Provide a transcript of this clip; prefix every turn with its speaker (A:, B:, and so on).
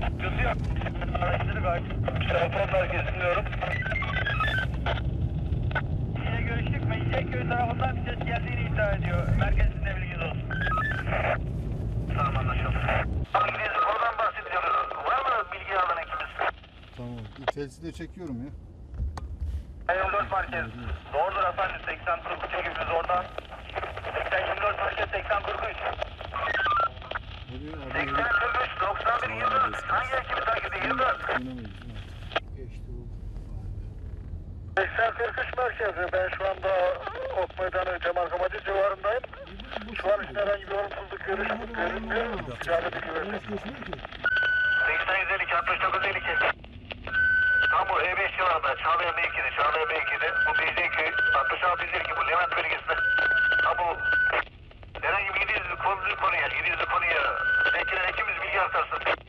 A: Sıkıntı yok. Araştırdık abi. Telefon merkezini dinliyorum. Yine görüştük. Mecidiyekköy tarafından bir ses geldiğini iddia ediyor. Merkezinde bilginiz olsun. Tamam, anlaşıldı. Abi biz oradan bahsediyoruz. Var mı bilgi alan ekimiz?
B: Tamam. Telsiz de çekiyorum ya.
A: 24 merkez. Doğrudur efendim. 80-43 ekibimiz oradan. 80-24 merkez 80-43. 80-43 91-24. Hangi ekibi takip ediyor? 24.
B: Geçti oldu.
A: 80-43 merkezi. Ben şu anda Ok Meydanı Cemal civarındayım. Şu an için herhangi bir olumsuzluk görünmüyor. Silahlı bilgi verin. 80-152 69-52. Tam bu E5 civarında Çağlayan mevkide, Çağlayan mevkide. Bu Mecidiyekköy 66-152 bu Levent bölgesinde. Tam bu herhangi bir 700'lü konuya, 700'lü konuya bekleyen ekimiz bilgi aktarsın.